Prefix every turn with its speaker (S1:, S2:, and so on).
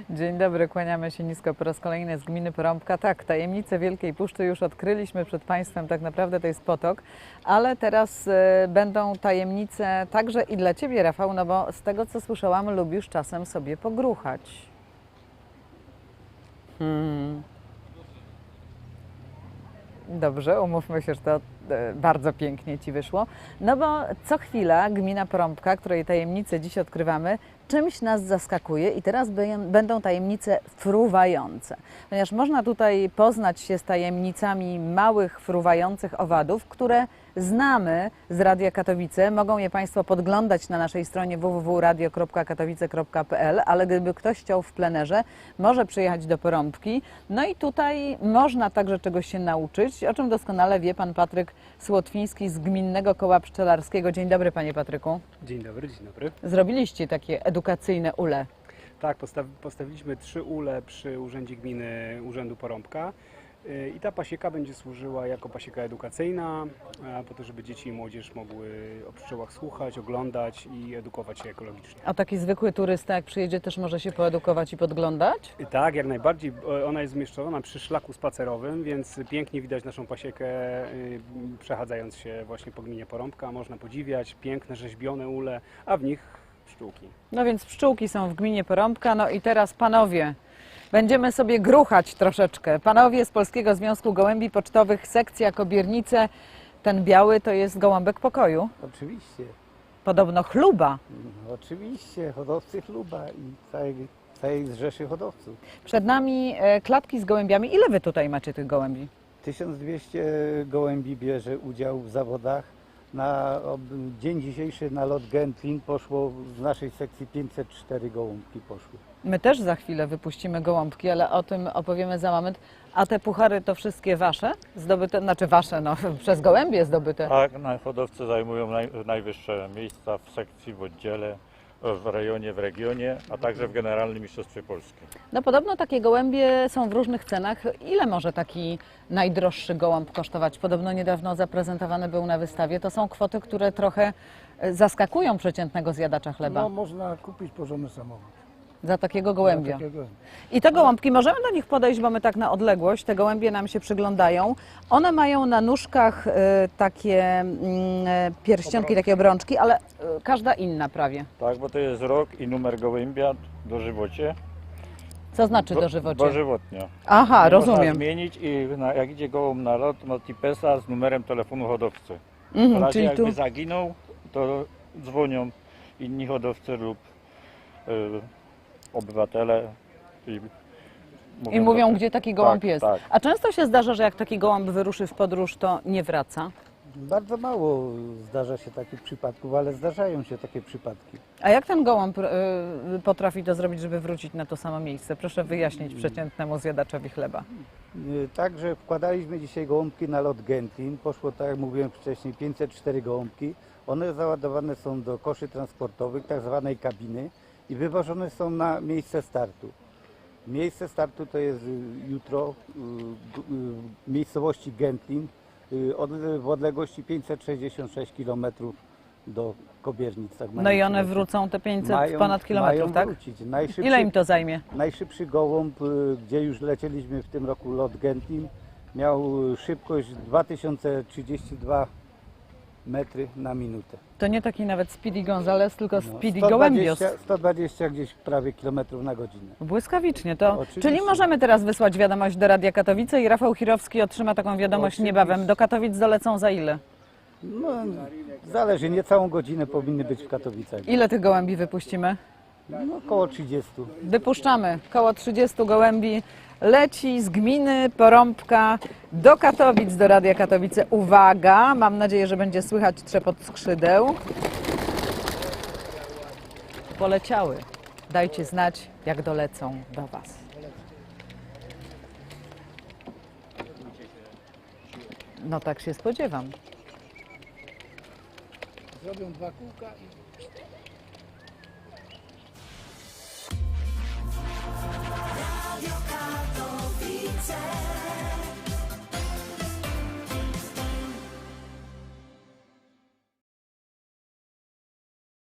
S1: Dzień dobry, kłaniamy się nisko po raz kolejny z gminy Porąbka. Tak, tajemnicę Wielkiej Puszczy już odkryliśmy przed Państwem, tak naprawdę to jest potok, ale teraz będą tajemnice także i dla Ciebie, Rafał, no bo z tego co słyszałam, lubisz czasem sobie pogruchać. Dobrze, umówmy się, że to bardzo pięknie Ci wyszło. No bo co chwila gmina Porąbka, której tajemnice dziś odkrywamy, czymś nas zaskakuje i teraz będą tajemnice fruwające. Ponieważ można tutaj poznać się z tajemnicami małych, fruwających owadów, które znamy z Radia Katowice. Mogą je Państwo podglądać na naszej stronie www.radio.katowice.pl, ale gdyby ktoś chciał w plenerze, może przyjechać do Porąbki. No i tutaj można także czegoś się nauczyć, o czym doskonale wie Pan Patryk Słotwiński z Gminnego Koła Pszczelarskiego. Dzień dobry, Panie Patryku.
S2: Dzień dobry, dzień dobry.
S1: Zrobiliście takie edukacyjne ule.
S2: Tak, postawiliśmy 3 ule przy Urzędzie Gminy Urzędu Porąbka i ta pasieka będzie służyła jako pasieka edukacyjna, po to, żeby dzieci i młodzież mogły o pszczołach słuchać, oglądać i edukować się ekologicznie.
S1: A taki zwykły turysta, jak przyjedzie, też może się poedukować i podglądać?
S2: Tak, jak najbardziej. Ona jest umieszczona przy szlaku spacerowym, więc pięknie widać naszą pasiekę przechadzając się właśnie po gminie Porąbka. Można podziwiać piękne, rzeźbione ule, a w nich pszczółki.
S1: No więc pszczółki są w gminie Porąbka. No i teraz panowie, będziemy sobie gruchać troszeczkę. Panowie z Polskiego Związku Gołębi Pocztowych, sekcja Kobiernice. Ten biały to jest gołąbek pokoju.
S3: Oczywiście,
S1: Podobno chluba.
S3: oczywiście, hodowcy chluba i całej zrzeszy hodowców.
S1: Przed nami klatki z gołębiami. Ile wy tutaj macie tych gołębi?
S3: 1200 gołębi bierze udział w zawodach. Na dzień dzisiejszy na lot Gentlin poszło z naszej sekcji 504 gołąbki poszły.
S1: My też za chwilę wypuścimy gołąbki, ale o tym opowiemy za moment. A te puchary to wszystkie wasze? Zdobyte, znaczy wasze, no przez gołębie zdobyte.
S4: Tak, hodowcy zajmują najwyższe miejsca w sekcji, w oddziale, w rejonie, w regionie, a także w Generalnym Mistrzostwie Polski.
S1: No podobno takie gołębie są w różnych cenach. Ile może taki najdroższy gołąb kosztować? Podobno niedawno zaprezentowany był na wystawie. To są kwoty, które trochę zaskakują przeciętnego zjadacza chleba.
S5: No, można kupić porządny samochód.
S1: Za takiego gołębia.
S5: Dla takiego.
S1: I te gołąbki, możemy do nich podejść, bo my tak na odległość, te gołębie nam się przyglądają. One mają na nóżkach takie pierścionki, takie obrączki, ale każda inna prawie.
S4: Tak, bo to jest rok i numer gołębia dożywocie.
S1: Co znaczy dożywocie?
S4: Dożywotnio.
S1: Aha,
S4: Nie
S1: rozumiem.
S4: Można zmienić i jak idzie gołąb na lot, ma tipesa z numerem telefonu hodowcy. W
S1: Mhm,
S4: razie
S1: czyli
S4: jakby
S1: tu
S4: zaginął, to dzwonią inni hodowcy lub obywatele
S1: i mówią,
S4: że-
S1: gdzie taki gołąb
S4: tak,
S1: jest.
S4: Tak.
S1: A często się zdarza, że jak taki gołąb wyruszy w podróż, to nie wraca.
S3: Bardzo mało zdarza się takich przypadków, ale zdarzają się takie przypadki.
S1: A jak ten gołąb potrafi to zrobić, żeby wrócić na to samo miejsce? Proszę wyjaśnić przeciętnemu zjadaczowi chleba.
S3: Także wkładaliśmy dzisiaj gołąbki na lot Gentlin. Poszło, tak jak mówiłem wcześniej, 504 gołąbki. One załadowane są do koszy transportowych, tak zwanej kabiny i wywożone są na miejsce startu. Miejsce startu to jest jutro w miejscowości Gentlin w odległości 566 km do Kobiernic. Tak
S1: No
S3: mają
S1: i one
S3: wrócić.
S1: wrócą te 500 ponad kilometrów,
S3: mają
S1: tak?
S3: wrócić.
S1: Ile im to zajmie?
S3: Najszybszy gołąb, gdzie już lecieliśmy w tym roku lot Gentlin, miał szybkość 2032 metry na minutę.
S1: To nie taki nawet Speedy Gonzales, tylko
S3: No,
S1: Speedy Gołębios.
S3: 120 gdzieś prawie kilometrów na godzinę.
S1: Błyskawicznie to.
S3: Oczywiście.
S1: Czyli możemy teraz wysłać wiadomość do Radia Katowice i Rafał Chirowski otrzyma taką wiadomość
S3: Oczywiście.
S1: niebawem. Do Katowic dolecą za ile?
S3: No, zależy, nie całą godzinę powinny być w Katowicach.
S1: Ile tych gołębi wypuścimy?
S3: No, około 30.
S1: Wypuszczamy. Koło 30 gołębi leci z gminy Porąbka do Katowic, do Radia Katowice. Uwaga, mam nadzieję, że będzie słychać trzepot skrzydeł. Poleciały. Dajcie znać, jak dolecą do Was. No tak się spodziewam.
S5: Zrobią 2 kółka i